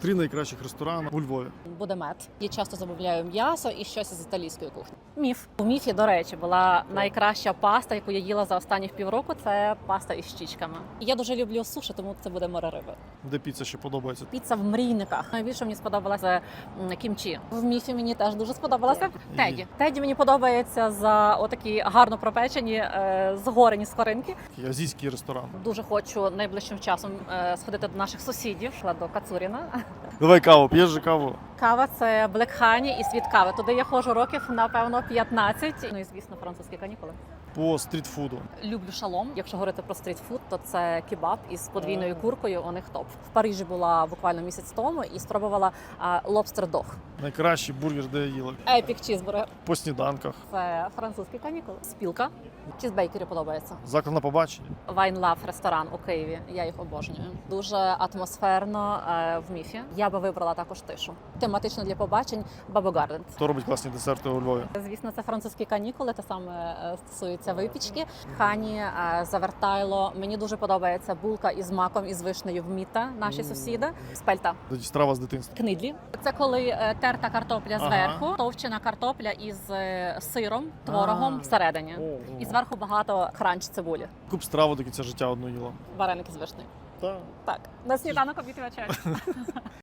3 найкращих ресторани у Львові. Буде мед. Я часто замовляю м'ясо і щось із італійської кухні. Міф. У міфі, до речі, була найкраща паста, яку я їла за останніх півроку. Це паста із щічками. Я дуже люблю суші, тому це буде море риби. Де піца ще подобається? Піца в мрійниках. Найбільше мені сподобалася кімчі. В міфі мені теж дуже сподобалося. Теді. Теді мені подобається за отакі гарно пропечені, згорені скоринки. Азійський ресторан. Дуже хочу найближчим часом сходити до наших сусідів, до Кацуріна. Давай каву, п'єш же каву? Кава – це Black Honey і світ кави. Туди я ходжу років, напевно, 15. Ну і, звісно, французькі канікули. По стрітфуду. Люблю шалом. Якщо говорити про стрітфуд, то це кебаб із подвійною куркою, у них топ. В Парижі була буквально місяць тому і спробувала лобстер-дог. Найкращий бургер, де я їла. Епік чізбургер. По сніданках. Це французькі канікули. Спілка. Чізбейкері подобається. Заклад на побачення. Wine Love ресторан у Києві. Я їх обожнюю. Дуже атмосферно в міфі. Я би вибрала також тишу. Тематично для побачень Бабо Гарден. Хто робить класні десерти у Львові? Звісно, це французькі канікули, те саме стосується випічки. Хані, завертайло. Мені дуже подобається булка із маком і з вишнею в Міта, наші сусіди. Спельта. Тоді страва з дитинства. Книдлі. Це коли терта картопля зверху, товчена картопля із сиром, творогом всередині. І зверху багато кранч цибулі. Куп страву до кінця життя одну їла. Вареники з вишнею. Так. Так, на сніданок, обід і вечеря.